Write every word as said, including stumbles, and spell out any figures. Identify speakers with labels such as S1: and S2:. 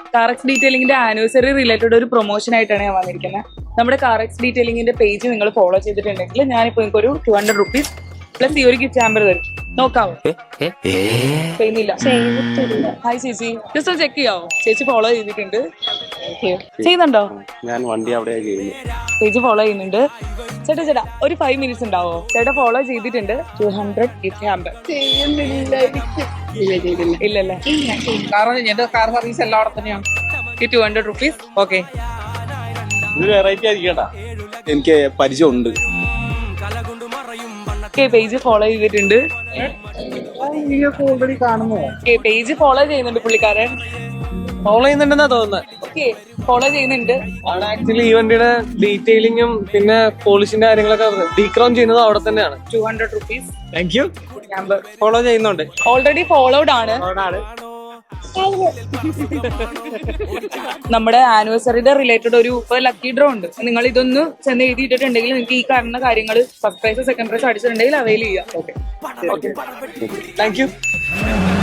S1: കാറക്സ് ഡീറ്റെയിലിംഗിന്റെ anniversary related ഒരു promotion ആയിട്ടാണ് ഞാൻ വന്നിരിക്കുന്നത്. നമ്മുടെ കാറക്സ് ഡീറ്റെയിലിംഗിന്റെ പേജ് നിങ്ങൾ ഫോളോ ചെയ്തിട്ടുണ്ടെങ്കിൽ ഞാനിപ്പോ നിങ്ങൾക്ക് ഒരു ടു ഹൺഡ്രഡ് റുപ്പീസ് പ്ലസ് ഈ ഒരു ഗിഫ്റ്റ് ഹാമ്പർ തരും. നോക്കാവോ? ചെയ്യുന്നില്ല. ഹായ് ചേച്ചി, ജസ്റ്റ് ചെക്ക് ചെയ്യാവോ? ചേച്ചി ഫോളോ ചെയ്തിട്ടുണ്ട്. ചെയ്യുന്നുണ്ടോ?
S2: ഞാൻ വണ്ടി അവിടെ
S1: ചേച്ചി ഫോളോ ചെയ്യുന്നുണ്ട്. ചേട്ടാ ചേട്ടാ ഒരു ഫൈവ് മിനിറ്റ്സ് ഉണ്ടാവോ? ചേട്ടാ ഫോളോ ചെയ്തിട്ടുണ്ട്. Two hundred gift hamper. ഇല്ലല്ലേ?
S3: കാർ സർവീസ് എല്ലാം അവിടെ തന്നെയാണ്.
S1: ഈ two hundred rupees okay.
S2: Variety ആയിരിക്കട്ടാ, എനിക്ക് പരിചയമുണ്ട്.
S1: പേജ് ഫോളോ ചെയ്തിട്ടുണ്ട്.
S3: ഓൾറെഡി കാണുമോ?
S1: പേജ് ഫോളോ ചെയ്യുന്നുണ്ട് പുള്ളിക്കാരൻ.
S4: ഫോളോ ചെയ്യുന്നുണ്ടെന്നാ തോന്നുന്നത്.
S1: ഓക്കെ, ഫോളോ ചെയ്യുന്നുണ്ട്.
S4: അവിടെ ആക്ച്വലി ഈ വണ്ടിയുടെ ഡീറ്റെയിലിംഗും പിന്നെ പോളിഷിന്റെ കാര്യങ്ങളൊക്കെ ഡീക്രൗൺ ചെയ്യുന്നത് അവിടെ തന്നെയാണ്.
S1: Two hundred rupees
S4: thank you. Follow ചെയ്യുന്നുണ്ട്.
S1: ഓൾറെഡി ഫോളോഡ് ആണ്. നമ്മുടെ ആനിവേഴ്സറിയുടെ റിലേറ്റഡ് ഒരു ലക്കി ഡ്രോ ഉണ്ട്. നിങ്ങൾ ഇതൊന്ന് ചെന്ന് എഴുതിയിട്ടുണ്ടെങ്കിൽ നിങ്ങൾക്ക് ഈ കാണുന്ന കാര്യങ്ങൾ ഫസ്റ്റ് പ്രൈസ് സെക്കൻഡ് പ്രൈസ് അടിച്ചിട്ടുണ്ടെങ്കിൽ അവൈൽ ചെയ്യാം. Okay,
S4: thank U.